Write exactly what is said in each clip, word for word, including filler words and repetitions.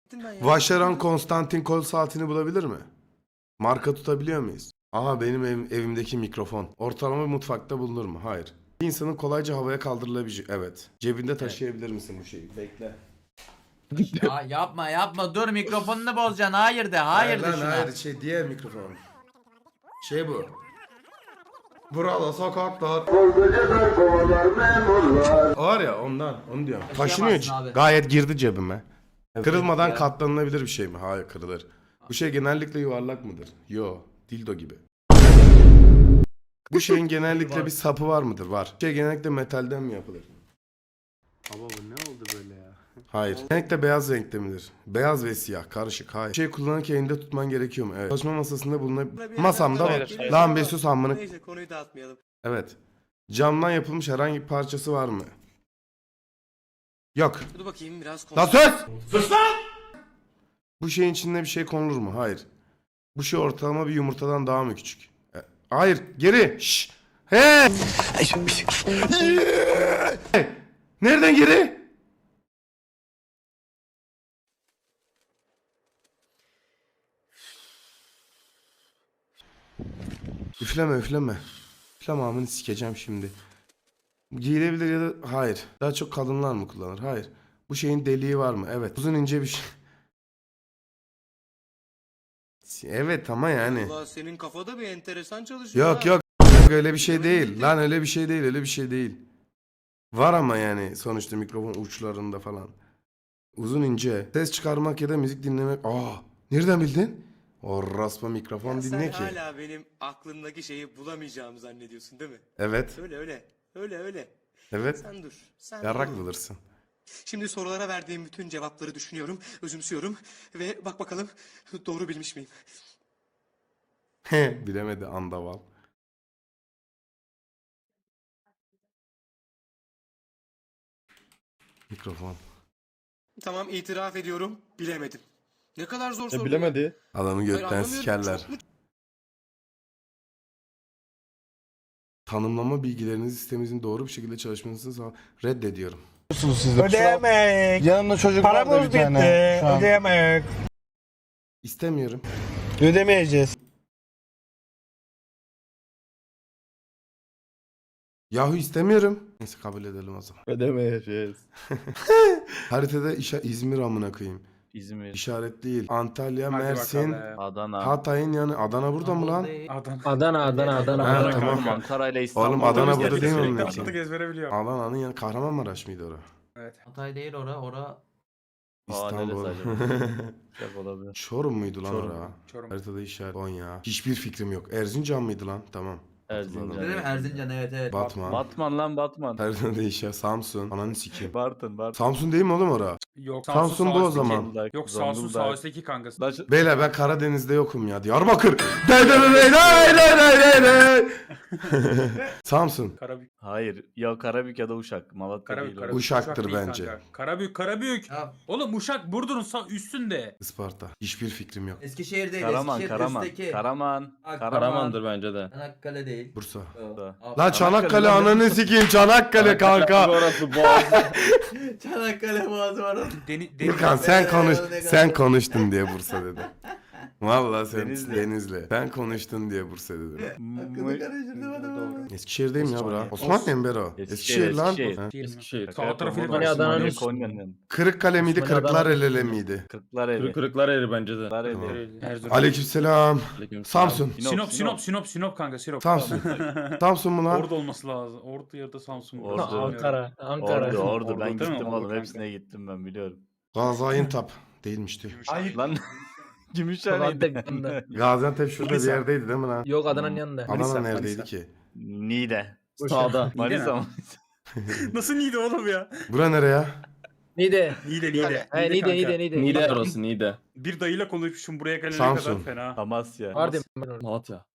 Vacheron Konstantin kol saatini bulabilir mi? Marka tutabiliyor muyuz? Aha benim ev, evimdeki mikrofon. Ortalama bir mutfakta bulunur mu? Hayır. Bir insanın kolayca havaya kaldırılabilecek. Evet. Cebinde taşıyabilir misin bu şeyi? Bekle. Ya yapma yapma dur mikrofonunu bozacaksın. Hayır de hayır de lan şuna. hayır şey diğer mikrofon. Şey bu. Burada sokaklar. Var ya ondan onu diyorum. Taşınıyor. abi. Gayet girdi cebime. Kırılmadan katlanılabilir bir şey mi? Hayır kırılır. Bu şey genellikle yuvarlak mıdır? Yo. Dildo gibi. Bu şeyin genellikle bir sapı var mıdır? Var. Bu şey genellikle metalden mi yapılır? Baba bu ne oldu böyle ya? Hayır. Genellikle beyaz renkte midir? Beyaz ve siyah karışık. Hayır. Bu şeyi kullanırken elinde tutman gerekiyor mu? Evet. Çalışma masasında bulunabilir. Masamda var. Hayır, hayır. Lan bir sus amına. Neyse konuyu dağıtmayalım. Evet. Camdan yapılmış herhangi bir parçası var mı? Yok. Dur bakayım biraz Lan konuş. sus! Sus lan! Bu şeyin içinde bir şey konulur mu? Hayır. Bu şey ortalama bir yumurtadan daha mı küçük? E, hayır. Geri. Şşş. He! Nereden geri? Üfleme üfleme. Üfleme amını sikeceğim şimdi. Giyilebilir ya da hayır. Daha çok kadınlar mı kullanır? Hayır. Bu şeyin deliği var mı? Evet. Uzun ince bir şey. Evet ama yani. Allah senin kafada bir enteresan çalışıyor. Yok ha. yok. Öyle bir şey değil. Lan öyle bir şey değil. Öyle bir şey değil. Var ama yani sonuçta mikrofon uçlarında falan. Uzun ince. Ses çıkarmak ya da müzik dinlemek. Aa, nereden bildin? O raspa mikrofon Ya dinle sen ki. hala benim aklımdaki şeyi bulamayacağımı zannediyorsun değil mi? Evet. Öyle öyle. Öyle öyle. Evet. Sen dur. Sen Yarrak dur. bulursun. Şimdi sorulara verdiğim bütün cevapları düşünüyorum, özümsüyorum ve bak bakalım doğru bilmiş miyim? Bilemedi andaval. Mikrofon. Tamam itiraf ediyorum bilemedim. Ne kadar zor soru. Ya bilemedi. Adamı Hayır, gökten anlamıyorum. sikerler. Çok mu- Tanımlama bilgileriniz sitemizin doğru bir şekilde çalışmasını sağ... Reddediyorum. Ödeyemek. Yanımda çocuk vardı Paramız bir tane. bitti. Şu an. Ödeyemek. İstemiyorum. Ödemeyeceğiz. Yahu istemiyorum. Neyse kabul edelim o zaman. Ödemeyeceğiz. Haritada işa İzmir amına koyayım. İzmir, İşaret değil. Antalya, Hadi Mersin, bakalım. Adana. Hatay'ın yanı. Adana burada mı lan? Adana. Adana Adana Adana. Ha, Adana, tamam. Ankara ile İstanbul. Oğlum Adana arası burada değil mi sürekli. onun Atlatık için? ezbere biliyorum. Adana'nın yanı Kahramanmaraş mıydı orası? Evet. Hatay değil ora ora. Aa, İstanbul. neresi acaba? Çok olabilir. Çorum muydu lan Çorum. orası? Çorum. Haritada işaret. Konya. Hiçbir fikrim yok. Erzincan mıydı lan? Tamam. Erzincan. Değil mi? Erzincan evet evet. Batman. Batman lan Batman. Haritada işaret. Samsun. Ananı sikeyim. Bartın Bartın. Samsun değil mi oğlum orası? Yok Samsun bu o zaman. Zonguldak, Yok Samsun Zonguldak. sağ üstteki kankası. Laş- Beyler ben Karadeniz'de yokum ya. Diyarbakır. Dey dey dey dey dey dey dey dey. Samsun. Karabük. Hayır. Ya Karabük ya da Uşak. Malatya Karabük. değil. o. Karabük. Uşaktır Uşak değil bence. kanka. Karabük. Karabük. Ya, Oğlum Uşak Burdur'un sağ üstünde. Isparta. Hiçbir fikrim yok. Eskişehir değil. Karaman, Eskişehir Karaman. üstteki. Karaman. Bak, Karaman'dır bence de. Çanakkale değil. Bursa. O. Da. Aa, Lan Çanakkale Çanakkale ananı sikeyim. Çanakkale kanka. Orası Boğaz. Çanakkale boğazı var orada. Deni, deni, Furkan sen konuş. Ne kadar- Sen konuştun diye Bursa dedim. Vallahi sen Denizli. Denizli. Sen konuştun diye Bursa dedim. Hakkını karıştırdım adamı. Eskişehir'deyim ya bura. Osmaniye. Osmaniye mi Bero? Eskişehir, Eskişehir lan. Eskişehir. Ha. Değil mi? Eskişehir. Sağ tarafı Osmaniye, Osmaniye, Osmaniye, Adana'nın- Konya'nın. Kırıkkale miydi? Osmaniye, Kırklar Adana. elele miydi? Kırklareli. Kırık kırıklar eri bence de. Kırklareli. Tamam. Erzurum. Aleykümselam. Aleyküm Samsun. Sinop, Sinop, Sinop, Sinop kanka, Sinop. Samsun. Samsun mu lan? Ordu olması lazım. Ordu ya da Samsun. Ordu. Ankara. Ankara. Ordu, Ordu. Ordu Ben değil mi? gittim Ordu oğlum. kanka. Hepsine gittim ben biliyorum. Gaziantep değilmişti. Lan Gümüşhane'ydi. Gaziantep şurada bir Manisa. yerdeydi değil mi lan? Yok Adana'nın yanında. Adana Manisa, neredeydi Manisa. ki? Niğde. Sağda. Manisa mı? Nasıl Niğde oğlum ya? Bura nereye? Niğde. Niğde, Niğde. He Niğde kanka. Niğde Niğde. Niğde orası Niğde. Bir dayıyla konuşmuşum buraya gelene Samsun. kadar fena. Amasya. Mardin. ben orada. Malatya.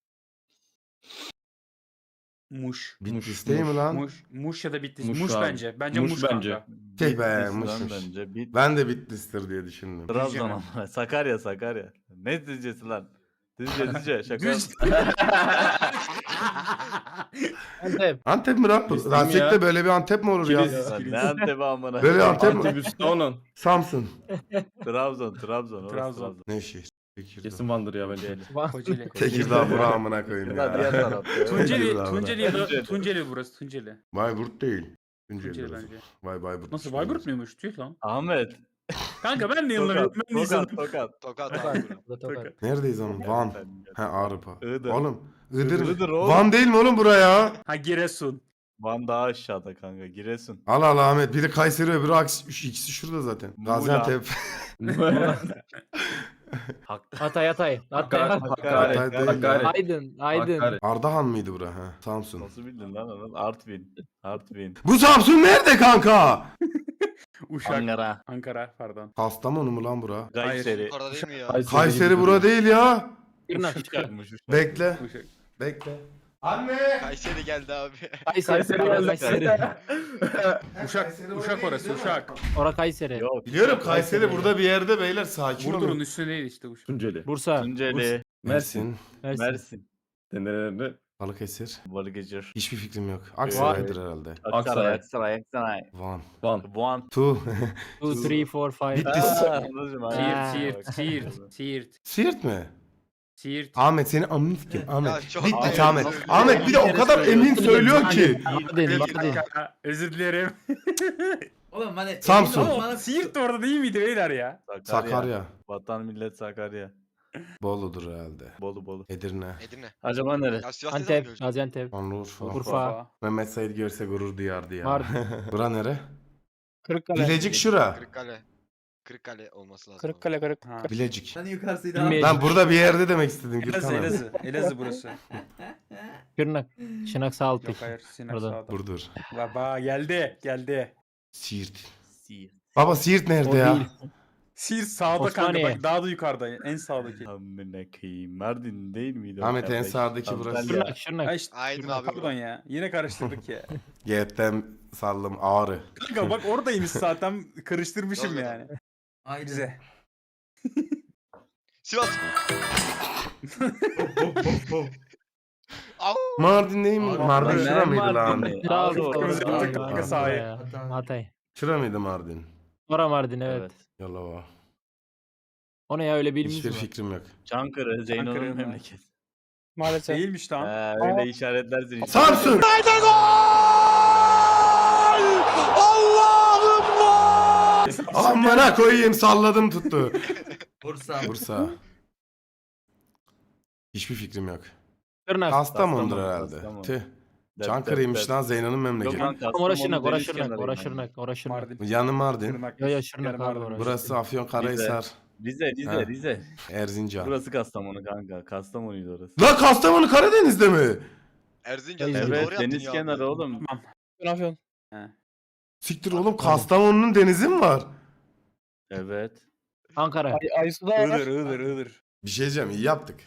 Muş. Bitlis değil mi lan? Muş, Muş ya da Bitlis. Muş Muş, abi. bence. Bence Muş Muş, bence. kanka. Tüh be, Bitlis lan Muş'muş. bence. Bit Ben de Bitlis'tir diye düşündüm. Trabzon ama. Sakarya Sakarya. Ne dizcesi lan? Dizce dizce şaka. Düz. Antep. Antep mi lan? Bizim Rasik'te ya. böyle bir Antep mi olur ya? Kilis. Lan ne Antep'i amına. Böyle Antep mi? Antep üstü onun. Samsun. Trabzon, Trabzon. orası Trabzon. Ne şehir? Tekirdağ. Kesin Van'dır ya bence. Kocaeli. Tekirdağ bura amına koyayım Ya diğer ya. tarafta. Tunceli, Tekirdağ Tunceli ya da Tunceli. Tunceli burası Tunceli. Bayburt değil. Tunceli Tunceli burası. bence. Vay Bayburt. Nasıl Bayburt muymuş? Tüh lan. Ahmet. Kanka ben de Tokat, yıllarım ben de Tokat, izledim. Tokat. Tokat Tokat. abi. Bu da Tokat. Neredeyiz ama? Van. He Ağrıpa. Iğdır. Oğlum Iğdır mı? Iğdır oğlum. Van değil mi oğlum buraya? Ha Giresun. Van daha aşağıda kanka. Giresun. Al al Ahmet. Biri Kayseri öbürü Aks. üç- İkisi şurada zaten. Muğla. Gaziantep. Hak. Hatay Hatay. Hatay. Hakkari. Hatay Hakkari. değil Hakkari. Aydın. Aydın. Hakkari. Ardahan mıydı bura? Ha. Samsun. Nasıl bildin lan onu? Artvin. Artvin. Bu Samsun nerede kanka? Uşak. Ankara. Ankara pardon. Kastamonu mu lan bura? Kayseri. Yukarıda değil mi ya? Kayseri bura değil ya. Şırnak. Uşakmış, Uşak. Bekle. Uşak. Bekle. Anne. Kayseri geldi abi. Kayseri. Kayseri Kayseri. geldi. Uşak. Uşak orası Uşak. Ora Kayseri. Yok. Biliyorum Kayseri burada bir yerde beyler sakin Burdur'un olun. üstüne değil işte Uşak. Tunceli. Bursa. Tunceli. Mersin. Mersin. Mersin. Denelerde. Balıkesir. Balıkesir. Hiçbir fikrim yok. Aksaray'dır herhalde. Aksaray. Aksaray. Aksaray. Van. Van. Van. Tu. two, three, four, five. Bitlis. Aa, anladım abi. Ha. Siirt, Siirt, Siirt, Siirt, Siirt mi? Siirt. Ahmet seni amın sikim. Ya Ahmet. çok- Bitlis Ahmet. Ahmet. Ahmet bir de o kadar emin söylüyor ki. Mardin. Mardin. Kanka, özür dilerim. Oğlum hani Samsun. emin ol Ama bana- Siirt de orada değil miydi beyler ya? Sakarya. Sakarya. Vatan millet Sakarya. Bolu'dur herhalde. Bolu Bolu. Edirne. Edirne. Acaba nere? Ya Sivas ne zaman Antep. göreceğiz? Gaziantep. Şanlıurfa. Urfa. Mehmet Said görse gurur duyardı ya. Mardin. Bura nere? Kırıkkale. Bilecik şura. Kırıkkale. Kırıkkale olması lazım. Kırıkkale Kırık. Ha. Bilecik. Hani yukarısıydı Bilmiyorum. abi. Ben burada bir yerde demek istedim. Elazığ, Gürkan abi. Elazığ. Elazığ burası. Şırnak. Şırnak Sağaltık. Yok hayır, Sinan Orada. sağda. Burdur. Baba geldi, geldi. Siirt. Siirt. Baba Siirt O nerede ya? değil. Siirt sağda Osmaniye. kanka bak daha da yukarıda en sağdaki. Amına koyayım. Mardin değil miydi? o Ahmet en kardeş? sağdaki burası. Antalya. Şırnak. Şırnak. Ha işte, Aydın Şırnak, abi pardon bu. ya. Yine karıştırdık ya. G'den saldım ağrı. Kanka bak oradaymış zaten karıştırmışım Doğru. yani. Aynen. Bize. Sivas. Au. Mardin değil mi? Abi, Mardin ne şura mıydı lan? Mardin'i? Trabzon. Ağrı orada. Yaptık kanka sahaya. Hatay. Şura mıydı Mardin? Ora Mardin evet. Evet. Yalova. O ne ya öyle bilmiş Hiçbir mi? fikrim yok. Çankırı, Zeyno'nun Çankırı mı? memleketi. Maalesef. Değilmiş lan. Ha, öyle işaretlersin. işte. Samsun! Amına koyayım salladım tuttu. Bursa. Bursa. Hiçbir fikrim yok. Şırnak. Kastamonu'dur Kastamonu, herhalde. Kastamonu. Tüh. Dep, Çankırı'ymış dep, lan Zeyno'nun Yok memleketi. lan, Kastamonu Ora Şırnak. Ora deniz Şırnak. Ora kenarıyım Şırnak. Ora Şırnak. Mardin. Yanı Mardin. Şırnak. Yo yo Şırnak Yarım abi Mardin. orası. Burası Afyonkarahisar. ben. Rize, Rize, Ha. Rize. Erzincan. Burası Kastamonu kanka. Kastamonu'ydu orası. La Kastamonu Karadeniz'de mi? Erzincan. Evet, doğru Evet, yaptın deniz ya kenarı abi. oğlum. Afyon. He. Siktir oğlum Kastamonu'nun denizi mi var? Evet. Ankara. Iğdır, Iğdır, Iğdır. Bir şey diyeceğim iyi yaptık.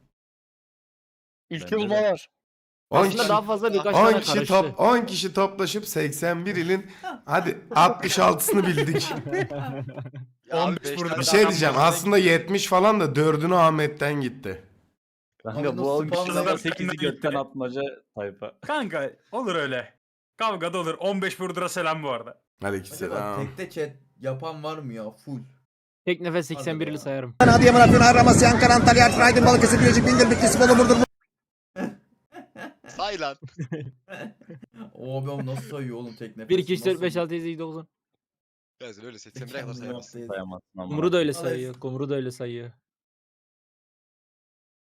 Ülke bulmalar. on Aslında kişi, daha fazla birkaç on tane kişi karıştı. top on kişi toplaşıp seksen bir ilin hadi altmış altısını bildik. Ya abi, on beş beş burada. tane Bir şey adam diyeceğim var. aslında yetmiş falan da dördünü Ahmet'ten gitti. Kanka Abi bu on nasıl kişiden bazıları sekizi benden götten gitti? atmaca tayfa. Kanka olur öyle. Kavga da olur. on beş Burdur'a selam bu arada. Hadi Acaba selam. tekte chat yapan var mı ya? Full. Tek nefes seksen birli Hadi be. sayarım. Adıyaman, Afyon, Amasya, Ankara, Antalya, Artvin, Aydın, Balıkesir, Bilecik, Bindir, Bitlis, Bolu, Burdur, Say lan. O abi nasıl sayıyor oğlum tek nefes? bir, iki, üç, dört, Nasıl? beş, altı, yedi, sekiz, dokuz. Ya öyle seksen bire kadar sayamazsın. Sayamazsın ama. Kumru da öyle Vallahi- sayıyor. Kumru da öyle sayıyor.